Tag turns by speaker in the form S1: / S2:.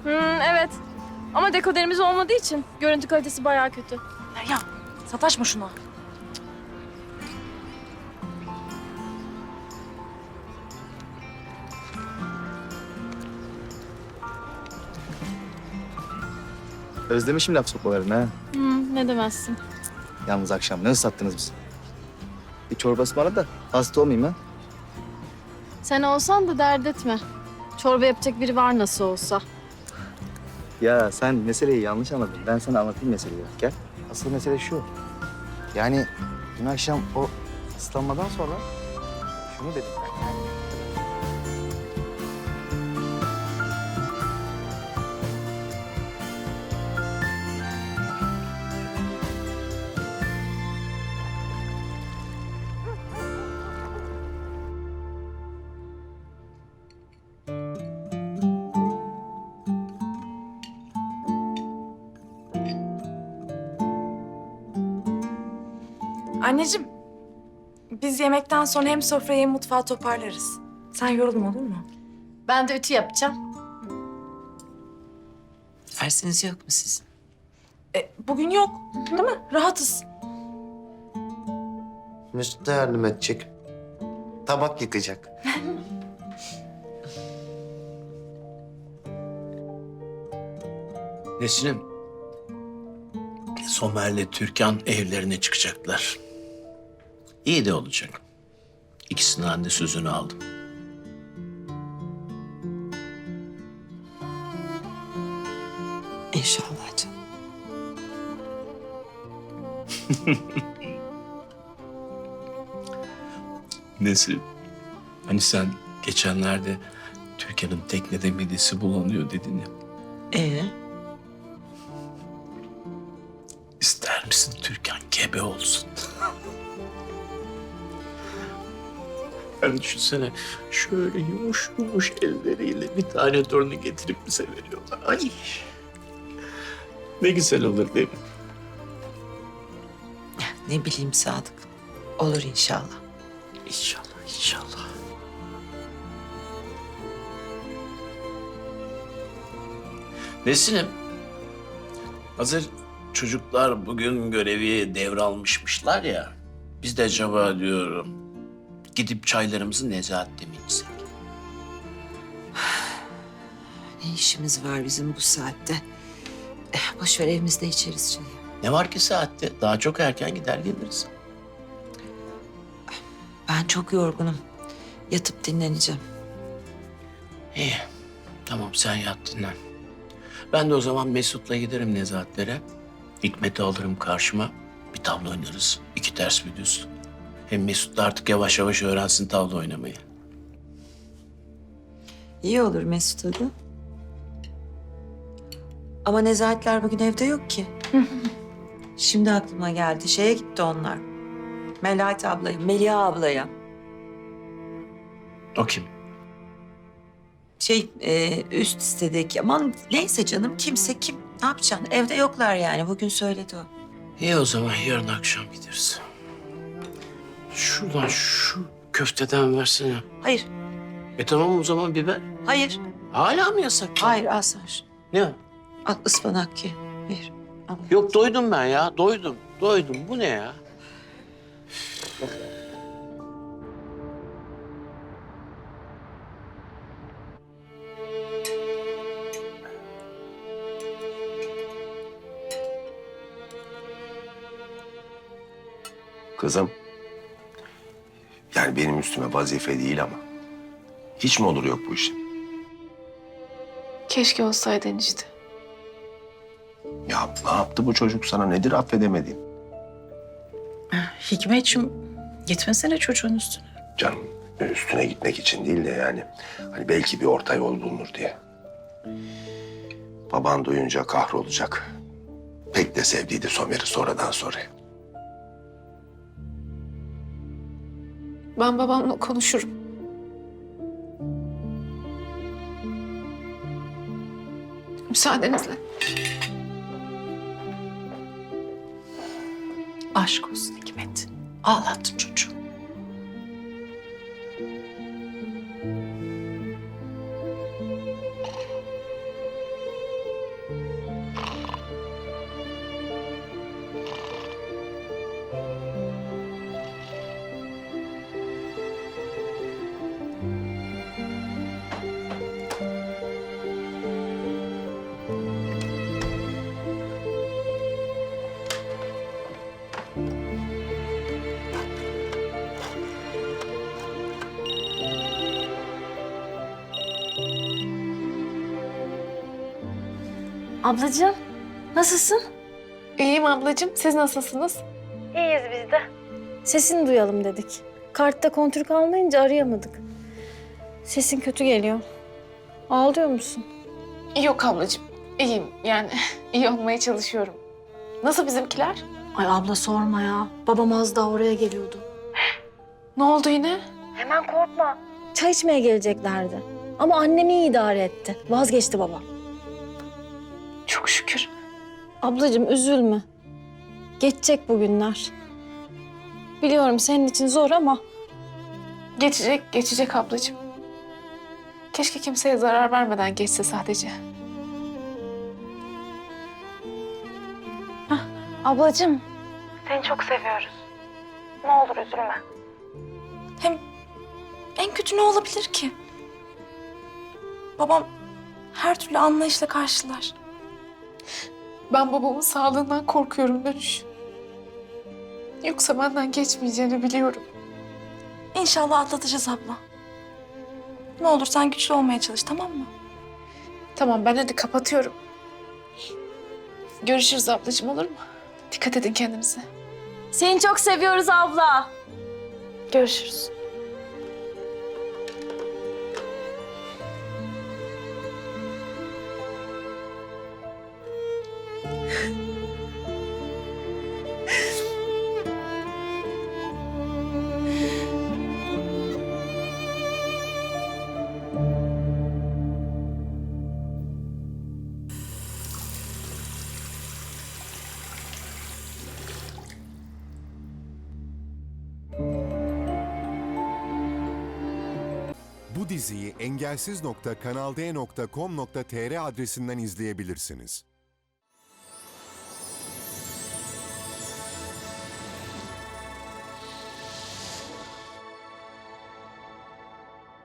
S1: Evet. Ama dekoderimiz olmadığı için görüntü kalitesi bayağı kötü.
S2: Derya, sataşma şuna.
S3: Özlemişim laf sokmalarını ha.
S1: Ne demezsin.
S3: Yalnız akşam ne ıslattınız bizi? Bir çorba ısmarla da hasta olmayayım ha.
S1: Sen olsan da dert etme. Çorba yapacak biri var nasıl olsa.
S3: Ya sen meseleyi yanlış anladın. Ben sana anlatayım meseleyi. Gel. Asıl mesele şu. Yani dün akşam o ıslanmadan sonra şunu dedim ben.
S2: Anneciğim, biz yemekten sonra hem sofrayı hem mutfağı toparlarız. Sen yorulma olur mu?
S1: Ben de ütü yapacağım.
S4: Dersiniz yok mu sizin?
S2: Bugün yok, değil mi? Rahatız.
S5: Mesut da yardım edecek. Tabak yıkacak.
S6: Nesrin, Somer'le Türkan evlerine çıkacaklar. İyi de olacak. İkisinden de sözünü aldım.
S4: İnşallah canım.
S6: Nesrin, hani sen geçenlerde Türkan'ın teknede midesi bulanıyor dedin ya. İster misin Türkan gebe olsun? Yani düşünsene şöyle yumuş yumuş elleriyle bir tane torunu getirip bize veriyorlar. Ay. Ne güzel olur değil mi?
S4: Ne bileyim Sadık. Olur inşallah.
S6: İnşallah, inşallah. Nesin'im, hazır çocuklar bugün görevi devralmışmışlar ya. Biz de acaba diyorum gidip çaylarımızı Nezahat'te mi içsek?
S4: Ne işimiz var bizim bu saatte? Boş ver evimizde içeriz çayı.
S6: Ne var ki saatte? Daha çok erken gider geliriz.
S4: Ben çok yorgunum. Yatıp dinleneceğim.
S6: İyi, tamam sen yat dinlen. Ben de o zaman Mesut'la giderim Nezahatlere. Hikmet'i alırım karşıma. Bir tavla oynarız. İki ters bir düz. Hem Mesut da artık yavaş yavaş öğrensin tavla oynamayı.
S4: İyi olur Mesut adı. Ama Nezahatler bugün evde yok ki. Şimdi aklıma geldi. Şeye gitti onlar. Melahat ablaya, Melia ablaya.
S6: O kim?
S4: Üst sitedeki. Aman neyse canım kimse kim. Ne yapacaksın? Evde yoklar yani. Bugün söyledi o.
S6: İyi o zaman yarın akşam gideriz. Şuradan şu köfteden versene.
S4: Hayır,
S6: Tamam o zaman biber.
S4: hayır,
S6: Hala mı yasak?
S4: hayır. Al sen şunu.
S6: Ne?
S4: Al ıspanak ye. Hayır. Al.
S6: Yok doydum ben ya. Doydum. Doydum. Bu ne ya?
S5: Kızım. Yani benim üstüme vazife değil ama. Hiç mi olur yok bu işin?
S7: Keşke olsaydı enişte.
S5: Ya ne yaptı bu çocuk sana? Nedir affedemediğin?
S8: Hikmetciğim gitmesene çocuğun üstüne.
S5: Canım üstüne gitmek için değil de yani. Hani belki bir orta yol bulunur diye. Baban duyunca kahrolacak. Pek de sevdiydi Somer'i sonradan sonra.
S7: Ben babamla konuşurum. Müsaadenizle.
S8: Aşk olsun Hikmet. Ağlattın çocuğu.
S1: Ablacığım, nasılsın?
S7: İyiyim ablacığım. Siz nasılsınız?
S1: İyiyiz biz de. Sesini duyalım dedik. Kartta kontür kalmayınca arayamadık. Sesin kötü geliyor. Ağlıyor musun?
S7: Yok ablacığım. İyiyim. Yani iyi olmaya çalışıyorum. Nasıl bizimkiler?
S1: Ay abla sorma ya. Babam az daha oraya geliyordu.
S7: Ne oldu yine?
S1: Hemen korkma. Çay içmeye geleceklerdi. Ama annemi iyi idare etti. Vazgeçti baba.
S7: Çok şükür.
S1: Ablacığım üzülme. Geçecek bu günler. Biliyorum senin için zor ama
S7: Geçecek ablacığım. Keşke kimseye zarar vermeden geçse sadece.
S1: ablacığım
S2: Hem en kötü ne olabilir ki? Babam her türlü anlayışla karşılar.
S7: Ben babamın sağlığından korkuyorum Dönüş. Yoksa benden geçmeyeceğini biliyorum.
S2: İnşallah atlatacağız abla. Ne olur sen güçlü olmaya çalış, tamam mı?
S7: Tamam ben hadi kapatıyorum. Görüşürüz ablacığım, olur mu? Dikkat edin kendinize.
S1: seni çok seviyoruz abla.
S7: Görüşürüz.
S9: Bu diziyi engelsiz.kanalde.com.tr adresinden izleyebilirsiniz.